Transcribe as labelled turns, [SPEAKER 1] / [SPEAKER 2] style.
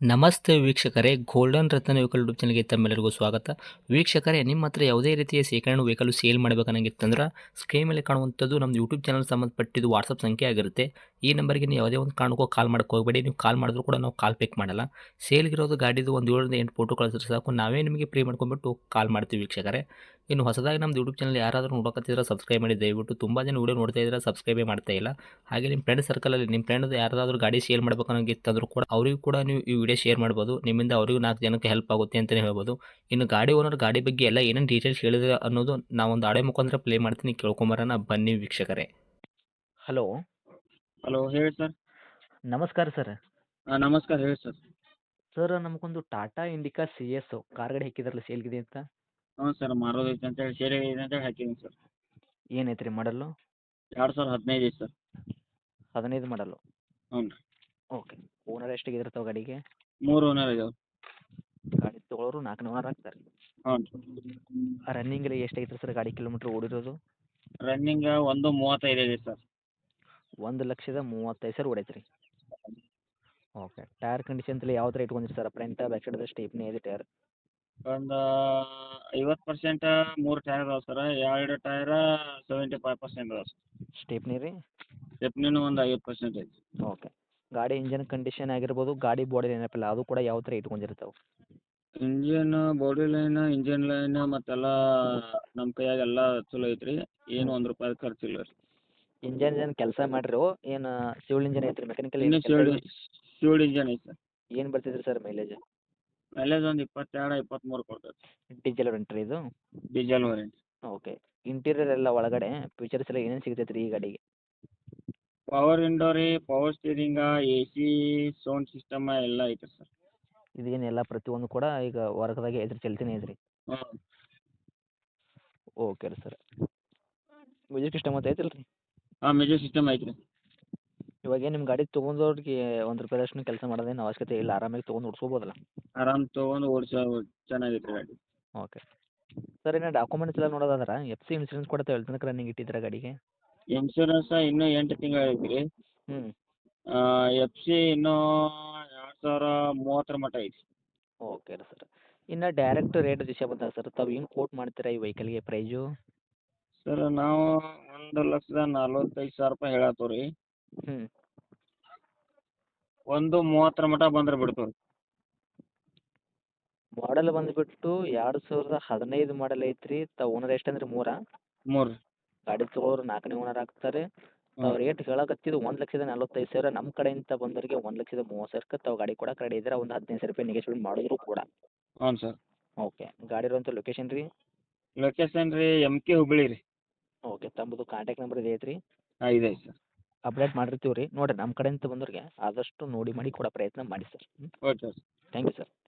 [SPEAKER 1] ನಮಸ್ತೆ ವೀಕ್ಷಕರೇ, ಗೋಲ್ಡನ್ ರತ್ನ vehicle YouTube ಚಾನಲ್ಗೆ ತಮ್ಮೆಲ್ಲರಿಗೂ ಸ್ವಾಗತ. ವೀಕ್ಷಕರೇ, ನಿಮ್ಮ ಹತ್ರ ಯಾವುದೇ ರೀತಿಯ ಶೇಖರಣೆ ವೆಹಿಕಲ್ ಸೇಲ್ ಮಾಡಬೇಕನ್ನಂಗಿತ್ತಂದ್ರೆ ಸ್ಕ್ರೀನ್ ಮೇಲೆ ಕಾಣುವಂಥದ್ದು ನಮ್ಮ ಯೂಟ್ಯೂಬ್ ಚಾನಲ್ ಸಂಬಂಧಪಟ್ಟಿದ್ದು ವಾಟ್ಸಪ್ ಸಂಖ್ಯೆ ಆಗಿರುತ್ತೆ. ಈ ನಂಬರ್ಗೆ ನೀವು ಯಾವುದೇ ಒಂದು ಕಾರಣಕ್ಕೂ ಕಾಲ್ ಮಾಡಕ್ಕೆ ಹೋಗಬೇಡಿ. ನೀವು ಕಾಲ್ ಮಾಡಿದ್ರು ಕೂಡ ನಾವು ಕಾಲ್ ಪಿಕ್ ಮಾಡಲ್ಲ. ಸೇಲ್ಗಿರೋದು ಗಾಡಿದು ಒಂದು 7ರಿಂದ 8 ಫೋಟೋ ಕಳಿಸಿದ್ರೆ ಸಾಕು, ನಾವೇ ನಿಮಗೆ ಪ್ರೀ ಮಾಡ್ಕೊಂಡ್ಬಿಟ್ಟು ಕಾಲ್ ಮಾಡ್ತೀವಿ ವೀಕ್ಷಕರೇ. ಇನ್ನು ಹೊಸದಾಗಿ ನಮ್ಮದು ಯೂಟ್ಯೂಬ್ ಚಾನಲ್ ಯಾರಾದರೂ ನೋಡೋಕತ್ತಿದ್ರೆ ಸಬ್ಸ್ಕ್ರೈಬ್ ಮಾಡಿ ದಯವಿಟ್ಟು. ತುಂಬ ಜನ ವೀಡಿಯೋ ನೋಡ್ತಾ ಇದ್ದಾರೆ, ಸಬ್ಸ್ಕ್ರೈಬೇ ಮಾಡ್ತಾ ಇಲ್ಲ. ಹಾಗೆ ನಿಮ್ಮ ಫ್ರೆಂಡ್ ಸರ್ಕಲಲ್ಲಿ ನಿಮ್ಮ ಫ್ರೆಂಡ್ ಯಾರಾದರೂ ಗಾಡಿ ಸೇಲ್ ಮಾಡಬೇಕನ್ನೋಂಗಿತ್ತಂದ್ರೂ ಕೂಡ ಅವರಿಗೂ ಕೂಡ ನೀವು ಈ ವಿಡಿಯೋ ಶೇರ್ ಮಾಡ್ಬೋದು. ನಿಮ್ಮಿಂದ ಅವರಿಗೂ 4 ಜನಕ್ಕೆ ಹೆಲ್ಪ್ ಆಗುತ್ತೆ ಅಂತಲೇ ಹೇಳ್ಬೋದು. ಇನ್ನು ಗಾಡಿ ಓನರ್ ಗಾಡಿ ಬಗ್ಗೆ ಎಲ್ಲ ಏನೇನು ಡೀಟೇಲ್ಸ್ ಹೇಳಿದ್ರೆ ಅನ್ನೋದು ನಾವೊಂದು ಆಡಿಯೋ ಮುಖಾಂತರ ಪ್ಲೇ ಮಾಡ್ತೀನಿ, ಕೇಳ್ಕೊಂಬರೋಣ ಬನ್ನಿ ವೀಕ್ಷಕರೇ. ಹಲೋ,
[SPEAKER 2] ಹಲೋ ಹೇಳಿ ಸರ್.
[SPEAKER 1] ನಮಸ್ಕಾರ ಸರ್.
[SPEAKER 2] ನಮಸ್ಕಾರ ಹೇಳಿ ಸರ್.
[SPEAKER 1] ಸರ್, ನಮಗೊಂದು Tata Indica C S car ಗಾಡಿ ಹಾಕಿದ್ರಲ್ಲ ಸೇಲ್ಗಿದೆ ಅಂತ.
[SPEAKER 2] ಹ್ಞೂ ಸರ್, ಮಾರೋದೈತೆ ಅಂತೇಳಿ ಸೇಲ್ ಇದೆ ಅಂತೇಳಿ ಹಾಕಿದ್ದೀನಿ ಸರ್.
[SPEAKER 1] ಏನೈತೆ ರೀ ಮಾಡಲು?
[SPEAKER 2] 2015 ಐತೆ ಸರ್.
[SPEAKER 1] 15 ಮಾಡಲು.
[SPEAKER 2] ಹ್ಞೂ ರೀ.
[SPEAKER 1] ಓಕೆ. ಓನರ್ ಎಷ್ಟಾಗಿದ್ರೆ ತಾವು ಗಾಡಿಗೆ?
[SPEAKER 2] 3 ಓನರ್ ಇದಾವೆ.
[SPEAKER 1] ಗಾಡಿ ತೊಗೊಳೋರು 4ನೇ ಓನರ್ ಆಗ್ತಾರೆ.
[SPEAKER 2] ಹ್ಞೂ ರೀ.
[SPEAKER 1] ರನ್ನಿಂಗ್ ಎಲ್ಲ ಎಷ್ಟಾಗಿತ್ತು ಸರ್ ಗಾಡಿ ಕಿಲೋಮೀಟ್ರ್ ಓಡಿರೋದು?
[SPEAKER 2] ರನ್ನಿಂಗ್ 1:35 ಇದೆ ಸರ್.
[SPEAKER 1] 1,35,000 ಹೊಡೈತೆ ರೀ. ಓಕೆ. ಟೈರ್ ಕಂಡೀಷನ್ ಎಲ್ಲ ಯಾವ ಥರ ಇಟ್ಕೊಂಡಿರಿ sir? Front back side stepney ಇದೆ ಟೈರ್?
[SPEAKER 2] ಒಂದು 50% 3 ಟೈರ್ ಇದಾವೆ ಸರ್. 2 ಟೈರ 75% ಇದಾವೆ ಸರ್.
[SPEAKER 1] ಸ್ಟೇಪ್ನಿ ರೀ?
[SPEAKER 2] ಸ್ಟೆಪ್ನಿನೂ ಒಂದು 50% ಐತಿ.
[SPEAKER 1] ಓಕೆ. ಗಾಡಿ ಇಂಜನ್ ಕಂಡೀಷನ್ ಆಗಿರ್ಬೋದು, ಗಾಡಿ ಬಾಡಿ ಏನಪ್ಪಿಲ್ಲ ಅದು ಕೂಡ ಯಾವ ಥರ ಇಟ್ಕೊಂಡಿರ್ತಾವೆ?
[SPEAKER 2] Engine body line, engine line ಮತ್ತೆಲ್ಲ ನಮ್ಮ ಕೈಯಾಗ ಎಲ್ಲ ಚಲೋ ಐತ್ರಿ. ಏನು ₹1 ಖರ್ಚಿಲ್ಲ ರೀ.
[SPEAKER 1] ಇಂಜನ್ ಏನು ಕೆಲಸ ಮಾಡಿರೋ ಏನು ಸಿವಿಲ್ ಇಂಜನ್ ಐತ್ರಿ? ಮೆಕ್ಯಾನಿಕಲ್
[SPEAKER 2] ಇನ್ನೂ
[SPEAKER 1] ಏನು
[SPEAKER 2] ಶಿವ್ಡ್ ಇಂಜನ್ ಐತೆ ಸರ್.
[SPEAKER 1] ಏನು ಬರ್ತಿದ್ರಿ ಸರ್ ಮೈಲೇಜ್?
[SPEAKER 2] ಮೈಲೇಜ್ ಒಂದು 22, 23 ಕೊಡ್ತೈತೆ.
[SPEAKER 1] ಡೀಸೆಲ್ ವೆಂಟ್ರಿ ಇದು?
[SPEAKER 2] Diesel variant.
[SPEAKER 1] ಓಕೆ. ಇಂಟೀರಿಯರ್ ಎಲ್ಲ ಒಳಗಡೆ ಫೀಚರ್ಸ್ ಎಲ್ಲ ಏನೇನು ಸಿಗ್ತೈತೆ ರೀ ಈ ಗಾಡಿಗೆ?
[SPEAKER 2] ಪವರ್ ವಿಂಡೋ ರೀ, power steering, AC, sound system ಎಲ್ಲ ಐತೆ ಸರ್.
[SPEAKER 1] ಇದೇನು ಎಲ್ಲ ಪ್ರತಿಯೊಂದು ಕೂಡ ಈಗ ವರ್ಗದಾಗೆ ಐತ್ರಿ, ಚಲ್ತಿನೇ ಐತ್ರಿ?
[SPEAKER 2] ಹ್ಞೂ.
[SPEAKER 1] ಓಕೆ ರೀ ಸರ್. ಮ್ಯೂಸಿಕ್ ಸಿಸ್ಟಮ್ ಅಂತ ಐತಿಲ್ಲ ರೀ?
[SPEAKER 2] ಮ್ಯೂಸಿಕ್ ಸಿಸ್ಟಮ್ ಐತೆ ರೀ.
[SPEAKER 1] ಇವಾಗ ಏನು ನಿಮ್ಮ ಗಾಡಿ ತೊಗೊಂಡವ್ರಿಗೆ ₹1 ಕೆಲಸ ಮಾಡೋದೇನು ಅವಶ್ಯಕತೆ ಇಲ್ಲ, ಆರಾಮಾಗಿ ತೊಗೊಂಡು ಓಡಿಸ್ಕೋಬೋದಲ್ಲ?
[SPEAKER 2] ಆರಾಮ್ ತೊಗೊಂಡು ಓಡಿಸೋ ಚೆನ್ನಾಗೈತೆ ರೀ ಗಾಡಿ.
[SPEAKER 1] ಓಕೆ. ಸರ್, ಇನ್ನು ಡಾಕ್ಯುಮೆಂಟ್ಸ್ ಎಲ್ಲ ನೋಡೋದಾದ್ರೆ FC ಇನ್ಸೂರೆನ್ಸ್ ಕೂಡ ತಾವು ಎಲ್ಲಿ ತನಕ ರನ್ನಿಂಗ್ ಇಟ್ಟಿದ್ದೀರಾ ಗಾಡಿಗೆ?
[SPEAKER 2] ಇನ್ಶೂರೆನ್ಸ್ ಇನ್ನೂ 8 ತಿಂಗಳು ಐತೆ ರೀ.
[SPEAKER 1] ಹ್ಞೂ.
[SPEAKER 2] FC ಇನ್ನೂ 2030 ಮಟ್ಟ ಐತಿ.
[SPEAKER 1] ಓಕೆ ರೀ ಸರ್. ಇನ್ನು ಡೈರೆಕ್ಟ್ ರೇಟ್ ವಿಷಯ ಬಂದಾಗ ಸರ್, ತಾವು ಏನು ಕೋಟ್ ಮಾಡ್ತೀರಾ ಈ ವೆಹಿಕಲ್ಗೆ ಪ್ರೈಸು?
[SPEAKER 2] ಸರ್, ನಾವು 1,45,000 ಹೇಳತ್ತೇವೆ ರೀ.
[SPEAKER 1] ಹ್ಞೂ.
[SPEAKER 2] 1:30 ಮಟ್ಟ ಬಂದ್ರೆ ಬಿಡ್ತೇವೆ ರೀ.
[SPEAKER 1] ಮಾಡಲ್ ಬಂದುಬಿಟ್ಟು 2015 ಮಾಡಲ್ ಐತ್ರಿ. ತಾವು ಓನರ್ ಎಷ್ಟಂದ್ರೆ 3?
[SPEAKER 2] 3 ರೀ.
[SPEAKER 1] ಗಾಡಿ ತೊಗೊಳೋರು 4ನೇ ಓನರ್ ಆಗ್ತಾರೆ. ತಾವು ರೇಟ್ ಹೇಳಕತ್ತಿದ್ದು 1,45,000. ನಮ್ಮ ಕಡೆಯಿಂದ ಬಂದವರಿಗೆ 1,30,000ಕ್ಕೆ ತಾವು ಗಾಡಿ ಕೊಡಕ್ಕೆ ರೆಡಿ ಇದ್ದೀರಾ? ಒಂದು ₹15 ನೆಗೆಶ್ಮೆಂಟ್ ಮಾಡಿದ್ರು ಕೂಡ.
[SPEAKER 2] ಹ್ಞೂ ಸರ್.
[SPEAKER 1] ಓಕೆ. ಗಾಡಿ ಇರುವಂಥ ಲೊಕೇಶನ್ ರೀ?
[SPEAKER 2] ಲೊಕೇಶನ್ ರೀ MK ಹುಬ್ಬಳ್ಳಿ ರೀ.
[SPEAKER 1] ಓಕೆ. ತಮ್ಮದು ಕಾಂಟ್ಯಾಕ್ಟ್ ನಂಬರ್ ಇದೆ ಐತ್ರಿ?
[SPEAKER 2] ಇದೆ ಸರ್.
[SPEAKER 1] ಅಪ್ಡೇಟ್ ಮಾಡಿರ್ತೀವಿ ರೀ. ನೋಡಿರಿ, ನಮ್ಮ ಕಡೆಯಿಂದ ಬಂದವ್ರಿಗೆ ಆದಷ್ಟು ನೋಡಿ ಮಾಡಿ ಕೊಡೋ ಪ್ರಯತ್ನ ಮಾಡಿ sir.
[SPEAKER 2] Okay sir.
[SPEAKER 1] Thank you sir.